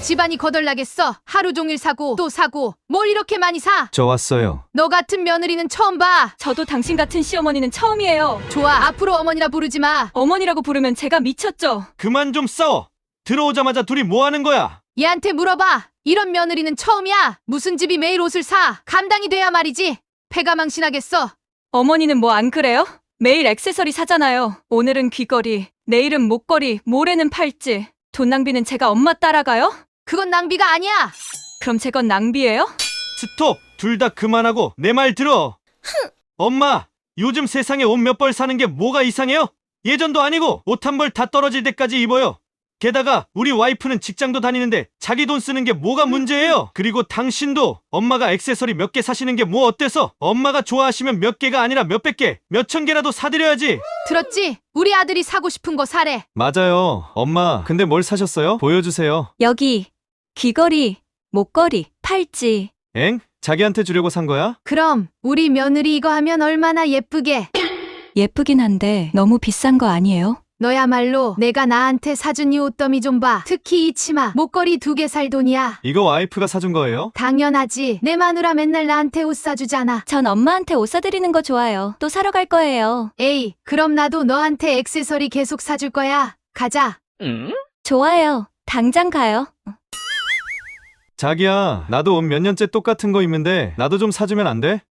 집안이 거덜나겠어. 하루 종일 사고 또 사고 뭘 이렇게 많이 사? 저 왔어요. 너 같은 며느리는 처음 봐. 저도 당신 같은 시어머니는 처음이에요. 좋아, 앞으로 어머니라 부르지 마. 어머니라고 부르면 제가 미쳤죠. 그만 좀 싸워. 들어오자마자 둘이 뭐 하는 거야? 얘한테 물어봐. 이런 며느리는 처음이야. 무슨 집이 매일 옷을 사? 감당이 돼야 말이지. 패가 망신하겠어. 어머니는 뭐 안 그래요? 매일 액세서리 사잖아요. 오늘은 귀걸이, 내일은 목걸이, 모레는 팔찌. 돈 낭비는 제가 엄마 따라가요? 그건 낭비가 아니야. 그럼 제 건 낭비예요? 스톱! 둘 다 그만하고 내 말 들어. 엄마, 요즘 세상에 옷 몇 벌 사는 게 뭐가 이상해요? 예전도 아니고 옷 한 벌 다 떨어질 때까지 입어요. 게다가 우리 와이프는 직장도 다니는데 자기 돈 쓰는 게 뭐가 문제예요? 그리고 당신도 엄마가 액세서리 몇 개 사시는 게 뭐 어때서? 엄마가 좋아하시면 몇 개가 아니라 몇백 개, 몇천 개라도 사드려야지. 들었지? 우리 아들이 사고 싶은 거 사래. 맞아요. 엄마, 근데 뭘 사셨어요? 보여주세요. 여기 귀걸이, 목걸이, 팔찌. 엥? 자기한테 주려고 산 거야? 그럼 우리 며느리 이거 하면 얼마나 예쁘게. 예쁘긴 한데 너무 비싼 거 아니에요? 너야말로 내가 나한테 사준 이 옷더미 좀 봐. 특히 이 치마, 목걸이 2개 살 돈이야. 이거 와이프가 사준 거예요? 당연하지. 내 마누라 맨날 나한테 옷 사주잖아. 전 엄마한테 옷 사드리는 거 좋아요. 또 사러 갈 거예요. 에이, 그럼 나도 너한테 액세서리 계속 사줄 거야. 가자. 좋아요. 당장 가요. 자기야, 나도 옷 몇 년째 똑같은 거 입는데 나도 좀 사주면 안 돼?